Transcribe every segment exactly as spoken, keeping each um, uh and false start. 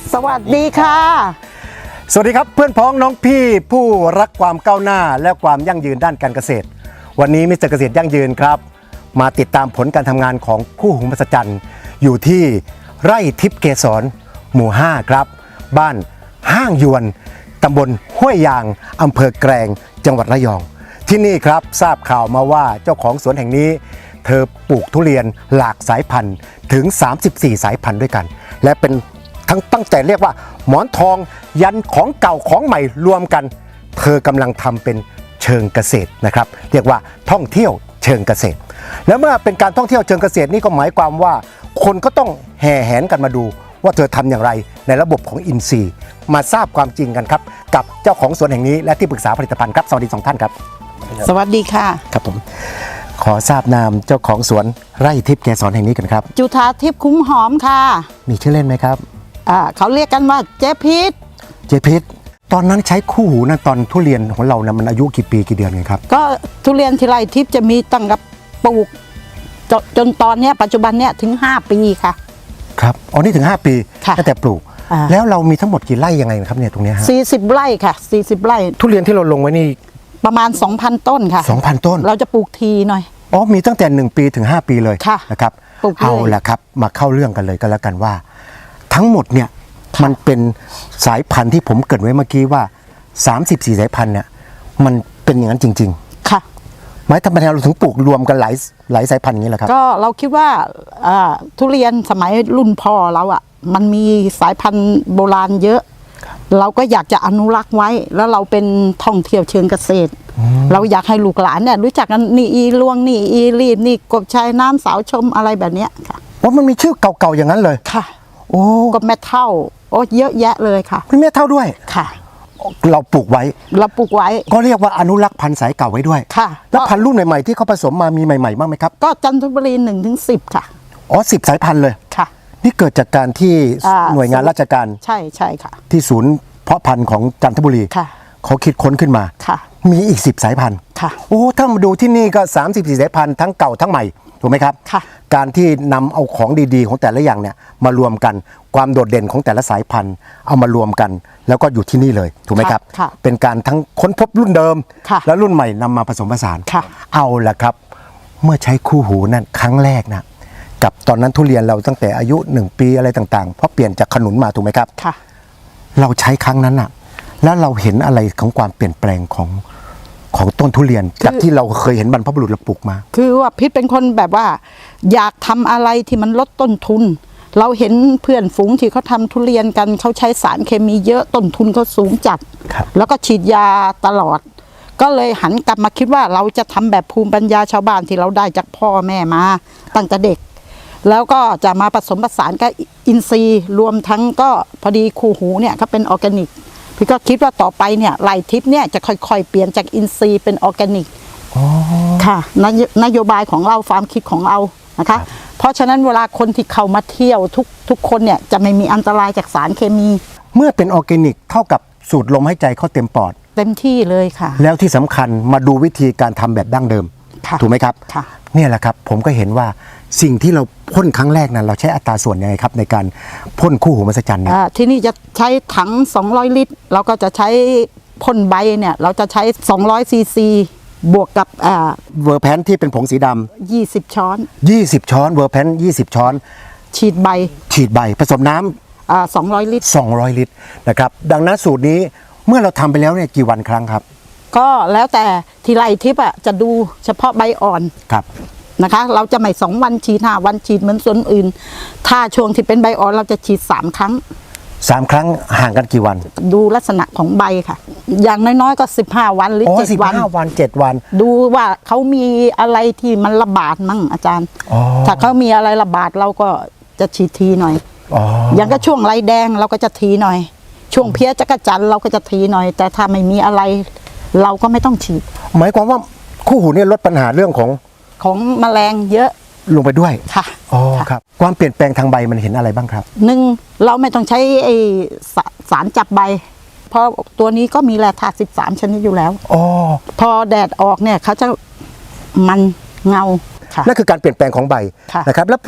สวัสดีค่ะสวัสดีครับเพื่อนพ้องน้องพี่ผู้รักความก้าวหน้าและความยั่งยืนด้านการเกษตรวันนี้มิสเตอร์เกษตรยั่งยืนครับมาติดตามผลการทำงานของคู่หูมหัศจรรย์อยู่ที่ไร่ทิพย์เกษรหมู่ห้าครับบ้านห้างยวนตำบลห้วยยางอำเภอแกลงจังหวัดระยองที่นี่ครับทราบข่าวมาว่าเจ้าของสวนแห่งนี้เธอปลูกทุเรียนหลากสายพันธุ์ถึงสามสิบสี่สายพันธุ์ด้วยกันและเป็นทั้งตั้งแต่เรียกว่าหมอนทองยันของเก่าของใหม่รวมกันเธอกำลังทำเป็นเชิงเกษตรนะครับเรียกว่าท่องเที่ยวเชิงเกษตรแล้วเมื่อเป็นการท่องเที่ยวเชิงเกษตรนี่ก็หมายความว่าคนก็ต้องแห่แหนกันมาดูว่าเธอทำอย่างไรในระบบของอินทรีย์มาทราบความจริงกันครับกับเจ้าของสวนแห่งนี้และที่ปรึกษาผลิตภัณฑ์ครับสวัสดีสองท่านครับสวัสดีค่ะครับผมขอทราบนามเจ้าของสวนไร่ทิพย์เกษรแห่งนี้กันครับจุฑาทิพย์คุ้มหอมค่ะมีชื่อเล่นไหมครับอ่าเขาเรียกกันว่าเจ๊พิษเจ๊พิษตอนนั้นใช้คู่หูนะตอนทุเรียนของเรานะมันอายุกี่ปีกี่เดือนไงครับก็ทุเรียนที่ไร่ทิพย์จะมีตั้งกับปลูกจจนตอนนี้ปัจจุบันเนี้ยถึงห้าปีค่ะครับอ๋อนี่ถึงห้าปีตั้งแต่ปลูกแล้วเรามีทั้งหมดกี่ไร่ยังไงครับเนี่ยตรงนี้ฮะสี่สิบไร่ค่ะสี่สิบไร่ทุเรียนที่เราลงไว้นี่ประมาณ สองพัน ต้นค่ะสองพัน ต้นเราจะปลูกทีหน่อยอ๋อมีตั้งแต่หนึ่งปีถึงห้าปีเลยนะครับเอาละครับมาเข้าเรื่องกันเลยก็แล้วกันว่าทั้งหมดเนี่ยมันเป็นสายพันธุ์ที่ผมเกริ่นไว้เมื่อกี้ว่าสามสิบสี่สายพันธุ์เนี่ยมันเป็นอย่างนั้นจริงๆค่ะหมายทำไมเราถึงปลูกรวมกันหลายหลายสายพันธุ์อย่างนี้แหละครับก็เราคิดว่าทุเรียนสมัยรุ่นพ่อเราอ่ะมันมีสายพันธุ์โบราณเยอะเราก็อยากจะอนุรักษ์ไว้แล้วเราเป็นท่องเที่ยวเชิงเกษตรเราอยากให้ลูกหลานเนี่ยรู้จักกันนี่อีลวงนี่อีรีดนี่กบชายน้ำสาวชมอะไรแบบนี้ค่ะว่ามันมีชื่อเก่าๆอย่างนั้นเลยค่ะโอ้กบแม่เท่าโอ้เยอะแยะเลยค่ะมีแม่เท่าด้วยค่ะเราปลูกไว้เราปลูกไว้ก็เรียกว่าอนุรักษ์พันธุ์สายเก่าไว้ด้วยค่ะแล้วพันธุ์รุ่นใหม่ๆที่เขาผสมมามีใหม่ๆบ้างไหมครับก็จันทบุรีหนึ่งถึงสิบค่ะอ๋อสิบสายพันธุ์เลยค่ะนี่เกิดจากการที่หน่วยงานราชการใช่ใช่ค่ะที่ศูนย์เพาะพันธุ์ของจันทบุรีเขาคิดค้นขึ้นมามีอีกสิบสายพันธุ์โอ้ถ้ามาดูที่นี่ก็สามสิบสี่สายพันธุ์ทั้งเก่าทั้งใหม่ถูกไหมครับการที่นำเอาของดีๆของแต่ละอย่างเนี่ยมารวมกันความโดดเด่นของแต่ละสายพันธุ์เอามารวมกันแล้วก็อยู่ที่นี่เลยถูกไหมครับเป็นการทั้งค้นพบรุ่นเดิมและรุ่นใหม่นำมาผสมผสานเอาละครับเมื่อใช้คู่หูนั่นครั้งแรกนะกับตอนนั้นทุเรียนเราตั้งแต่อายุหนึ่งปีอะไรต่างๆเพราะเปลี่ยนจากขนุนมาถูกไหมครับเราใช้ครั้งนั้นน่ะแล้วเราเห็นอะไรของความเปลี่ยนแปลงของของต้นทุเรียนจากที่เราเคยเห็นบรรพบุรุษเราปลูกมาคือว่าพิษเป็นคนแบบว่าอยากทำอะไรที่มันลดต้นทุนเราเห็นเพื่อนฝูงที่เขาทำทุเรียนกันเขาใช้สารเคมีเยอะต้นทุนเขาสูงจัดแล้วก็ฉีดยาตลอดก็เลยหันกลับมาคิดว่าเราจะทำแบบภูมิปัญญาชาวบ้านที่เราได้จากพ่อแม่มาตั้งแต่เด็กแล้วก็จะมาผสมผสานกับอินทรีย์รวมทั้งก็พอดีคู่หูเนี่ยก็เป็นออร์แกนิกพี่ก็คิดว่าต่อไปเนี่ยไร่ทิพย์เนี่ยจะค่อยๆเปลี่ยนจากอินทรีย์เป็นออร์แกนิกค่ะนโยบายของเราความคิดของเรานะคะเพราะฉะนั้นเวลาคนที่เข้ามาเที่ยวทุกทุกคนเนี่ยจะไม่มีอันตรายจากสารเคมีเมื่อเป็นออร์แกนิกเท่ากับสูดลมหายใจเข้าเต็มปอดเต็มที่เลยค่ะแล้วที่สำคัญมาดูวิธีการทำแบบดั้งเดิมถูกไหมครับค่ะเนี่ยแหละครับผมก็เห็นว่าสิ่งที่เราพ่นครั้งแรกนั้นเราใช้อัตราส่วนยังไงครับในการพ่นคู่หูมหัศจรรย์เนี่ยที่นี่จะใช้ถังสองร้อยลิตรเราก็จะใช้พ่นใบเนี่ยเราจะใช้สองร้อยซีซีบวกกับเวอร์แพนที่เป็นผงสีดำยี่สิบช้อนยี่สิบช้อนเวอร์แพนยี่สิบช้อนฉีดใบฉีดใบผสมน้ำอ่าสองร้อยลิตรสองร้อยลิตรนะครับดังนั้นสูตรนี้เมื่อเราทำไปแล้วเนี่ยกี่วันครั้งครับก็แล้วแต่ที่ไร่ทิพย์อ่ะจะดูเฉพาะใบอ่อนครับนะคะเราจะไม่สองวันฉีดห้าวันฉีดเหมือนส่วนอื่นถ้าช่วงที่เป็นใบอ่อนเราจะฉีดสามครั้งสามครั้งห่างกันกี่วันดูลักษณะของใบค่ะอย่างน้อยๆก็สิบห้าวันหรือเจ็ดวันสิบห้าวันเจ็ดวันดูว่าเขามีอะไรที่มันระบาดมั่งอาจารย์ถ้าเขามีอะไรระบาดเราก็จะฉีดทีหน่อยอย่างก็ช่วงไรแดงเราก็จะทีหน่อยช่วงเพี้ยจักรจันเราก็จะทีหน่อยแต่ถ้าไม่มีอะไรเราก็ไม่ต้องฉีดหมายความว่าคู่หูเนี่ยลดปัญหาเรื่องของของแมลงเยอะลงไปด้วยค่ะอ๋อครับความเปลี่ยนแปลงทางใบมันเห็นอะไรบ้างครับหนึ่งเราไม่ต้องใช้ไอสารจับใบเพราะตัวนี้ก็มีแร่ธาตุสิบสามชนิดอยู่แล้วอ๋อพอแดดออกเนี่ยเขาจะมันเงานั่นคือการเปลี่ยนแปลงของใบนะครับแล้วพวก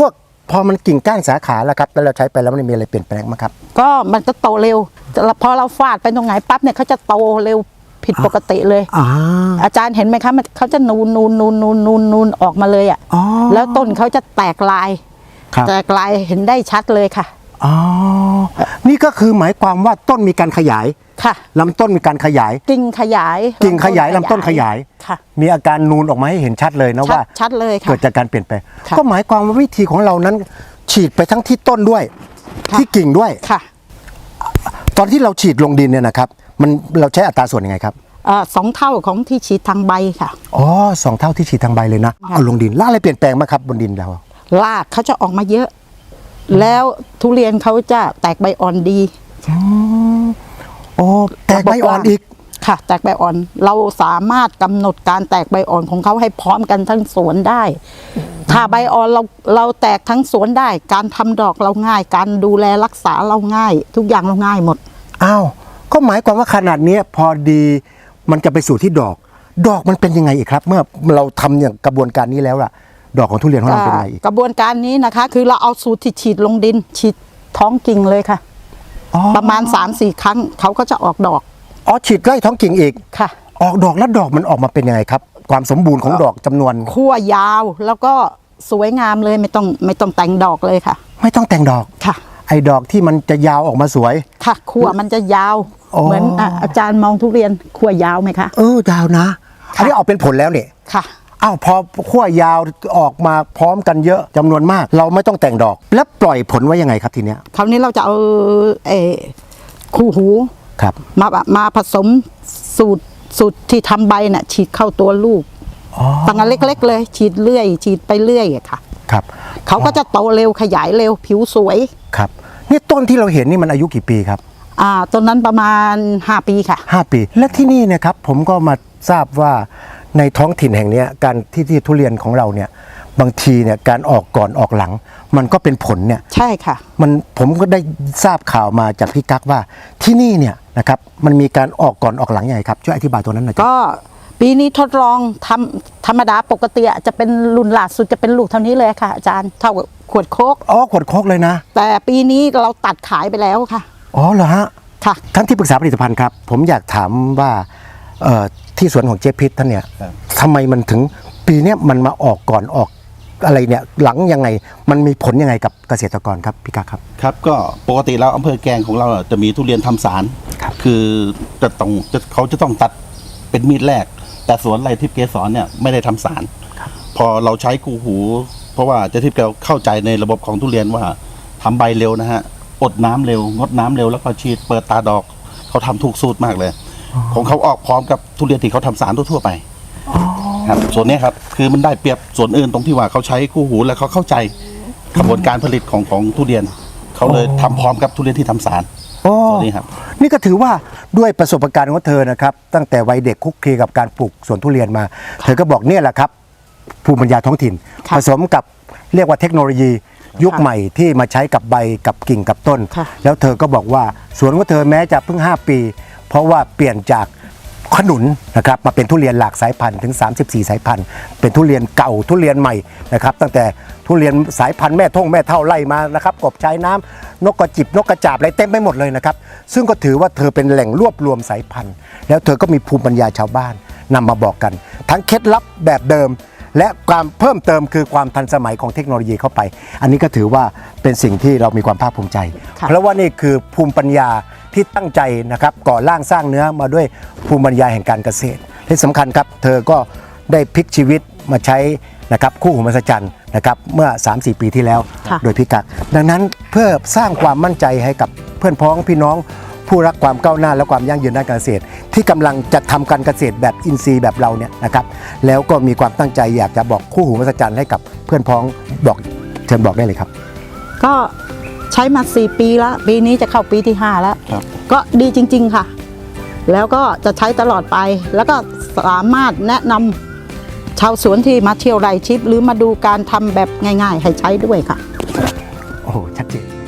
พอมันกิ่งก้านสาขาแล้วครับแล้วเราใช้ไปแล้วมันมีอะไรเปลี่ยนแปลงไหมครับก็มันจะโตเร็วแต่พอเราฟาดไปตรงไหนปั๊บเนี่ยเขาจะโตเร็วผิดปกติเลยอ่าอาจารย์เห็นไหมคะมันเขาจะนูนนูนนูนนูนนูนนูนออกมาเลยอ่ะอ๋อแล้วต้นเขาจะแตกลายครับแตกลายเห็นได้ชัดเลยค่ะอ๋อนี่ก็คือหมายความว่าต้นมีการขยายค่ะลำต้นมีการขยายกิ่งขยายกิ่งขยายลำต้นขยายค่ะมีอาการนูนออกมาให้เห็นชัดเลยนะชัดว่าชัดเลยค่ะเกิดจากการเปลี่ยนแปลงค่ะก็หมายความว่าวิธีของเรานั้น ฉีดไปทั้งที่ต้นด้วยค่ะที่กิ่งด้วยค่ะตอนที่เราฉีดลงดินเนี่ยนะครับ มันเราใช้อัตราส่วนยังไงครับเอ่อสองเท่าของที่ฉีดทางใบค่ะอ๋อสองเท่าที่ฉีดทางใบเลยนะค่ะเอาลงดินแล้วอะไรเปลี่ยนแปลงบ้างครับบนดินเรารากเขาจะออกมาเยอะ แล้วทุเรียนเขาจะแตกใบอ่อนดีโอ้แตกใบอ่อนอีกค่ะ แตกใบอ่อน เราสามารถกำหนดการแตกใบอ่อนของเขาให้พร้อมกันทั้งสวนได้ ถ้าใบอ่อนเราเราแตกทั้งสวนได้ การทำดอกเราง่าย การดูแลรักษาเราง่าย ทุกอย่างเราง่ายหมดอ้าวก็หมายความว่าขนาดเนี้ยพอดีมันจะไปสู่ที่ดอก ดอกมันเป็นยังไงอีกครับ เมื่อเราทำอย่างกระบวนการนี้แล้วล่ะ ดอกของทุเรียนของเราเป็นยังไงอีกกระบวนการนี้นะคะ คือเราเอาสูตรที่ฉีดลงดิน ฉีดท้องกิ่งเลยค่ะอ๋อประมาณ สามสี่ ครั้งเขาก็จะออกดอกอ๋อฉีดไล่ท้องกิ่งอีกค่ะออกดอกแล้วดอกมันออกมาเป็นยังไงครับ ความสมบูรณ์ของดอกจำนวนขั้วยาวแล้วก็สวยงามเลยไม่ต้องไม่ต้องแต่งดอกเลยค่ะไม่ต้องแต่งดอกค่ะไอ้ดอกที่มันจะยาวออกมาสวยค่ะขั้วมันจะยาวอ๋อเหมือนอ่ะอาจารย์มองทุเรียนขั้วยาวไหมคะเออยาวนะอันนี้ออกเป็นผลแล้วเนี่ยค่ะอ้าวพอขั้วยาวออกมาพร้อมกันเยอะจำนวนมาก เราไม่ต้องแต่งดอก แล้วปล่อยผลไว้ยังไงครับทีเนี้ยคราวนี้เราจะเอาเออคู่หูครับมามาผสมสูตรสูตรที่ทำใบน่ะฉีดเข้าตัวลูกอ๋อตั้งแต่เล็ก ๆ เลย ฉีดเรื่อย ฉีดไปเรื่อยอะค่ะครับเขาก็จะโตเร็วขยายเร็วผิวสวยครับนี่ต้นที่เราเห็นนี่มันอายุกี่ปีครับอ่าต้นนั้นประมาณห้าปีค่ะห้าปี และที่นี่เนะครับผมก็มาทราบว่าในท้องถิ่นแห่งเนี้ยการที่ที่ทุเรียนของเราเนี่ยบางทีเนี่ยการออกก่อนออกหลัง มันก็เป็นผลเนี่ยใช่ค่ะมันผมก็ได้ทราบข่าวมาจากพี่กั๊กว่าที่นี่เนี่ยนะครับมันมีการออกก่อนออกหลังยังไงครับช่วยอธิบายตัวนั้นหน่อยครับก็ปีนี้ทดลองทำธรรมดาปกติอะจะเป็นรุ่นล่าสุดจะเป็นลูกเท่านี้เลยค่ะ อาจารย์เท่ากับขวดโคกอ๋อขวดโคกเลยนะแต่ปีนี้เราตัดขายไปแล้วค่ะอ๋อเหรอฮะค่ะท่านที่ปรึกษาผลิตภัณฑ์ครับผมอยากถามว่าเอ่อที่สวนของเจ๊พิษท่านเนี่ยครับทำไมมันถึงปีเนี้ยมันมาออกก่อนออกอะไรเนี่ยหลังยังไงมันมีผลยังไงกับเกษตรกรครับพี่กั๊กครับครับก็ปกติแล้วอำเภอแกลงของเราอ่ะจะมีทุเรียนทำสารครับคือจะต้องจะเขาจะต้องตัดเป็นมีดแรก แต่สวนไรทิพย์เกสรเนี่ยไม่ได้ทำสาร พอเราใช้กูหู เพราะว่าเจะทิพย์แกเข้าใจในระบบของทุเรียนว่าทำใบเร็วนะฮะอดน้ำเร็วงดน้ำเร็วแล้วก็ฉีดเปิดตาดอกเขาทำถูกสูตรมากเลย ของเขาออกพร้อมกับทุเรียนที่เขาทำสารทั่วๆไปครับส่วนเนี้ยครับคือมันได้เปรียบส่วนอื่นตรงที่ว่าเขาใช้คู่หูและเขาเข้าใจกระบวนการผลิตของของทุเรียนเขาเลยทำพร้อมกับทุเรียนที่ทำสารโอ้ส่วนนี้ครับนี่ก็ถือว่าด้วยประสบการณ์ของเธอนะครับตั้งแต่วัยเด็กคุกคีกับการปลูกสวนทุเรียนมา เธอก็บอกเนี่ยแหละครับภูมิปัญญาท้องถิ่นค่ะผสมกับเรียกว่าเทคโนโลยียุคใหม่ที่มาใช้กับใบกับกิ่งกับต้นค่ะแล้วเธอก็บอกว่าสวนของเธอแม้จะเพิ่งห้าปี เพราะว่าเปลี่ยนจากขนุนนะครับมาเป็นทุเรียนหลากสายพันธุ์ถึงสามสิบสี่สายพันธุ์เป็นทุเรียนเก่าทุเรียนใหม่นะครับตั้งแต่ทุเรียนสายพันธุ์แม่ท่งแม่เท่าไล่มานะครับกบชายน้ำนกกระจิบนกกระจาบอะไรเต็มไปหมดเลยนะครับซึ่งก็ถือว่าเธอเป็นแหล่งรวบรวมสายพันธุ์ แล้วเธอก็มีภูมิปัญญาชาวบ้านนำมาบอกกัน ทั้งเคล็ดลับแบบเดิม และความเพิ่มเติมคือความทันสมัยของเทคโนโลยีเข้าไป อันนี้ก็ถือว่าเป็นสิ่งที่เรามีความภาคภูมิใจค่ะเพราะว่านี่คือภูมิปัญญาที่ตั้งใจนะครับก่อร่างสร้างเนื้อมาด้วยภูมิปัญญาแห่งการเกษตรที่สำคัญครับเธอก็ได้พลิกชีวิตมาใช้นะครับคู่หูมหัศจรรย์นะครับเมื่อ สามสี่ ปีที่แล้วค่ะโดยพี่กักดังนั้นเพื่อสร้างความมั่นใจให้กับเพื่อนพ้องพี่น้อง ผู้รักความก้าวหน้าและความยั่งยืนด้านการเกษตร ที่กำลังจะทำการเกษตรแบบอินทรีย์แบบเราเนี่ยนะครับแล้วก็มีความตั้งใจอยากจะบอกคู่หูมหัศจรรย์ให้กับเพื่อนพ้องบอกเชิญบอกได้เลยครับก็ใช้มาสี่ปีแล้ว ปีนี้จะเข้าปีที่ห้าแล้วครับก็ดีจริง ๆค่ะ แล้วก็จะใช้ตลอดไป แล้วก็สามารถแนะนำชาวสวนที่มาเที่ยวไร่ชิป หรือมาดูการทำแบบง่าย ๆ ให้ใช้ด้วยค่ะโอ้โหชัดเจน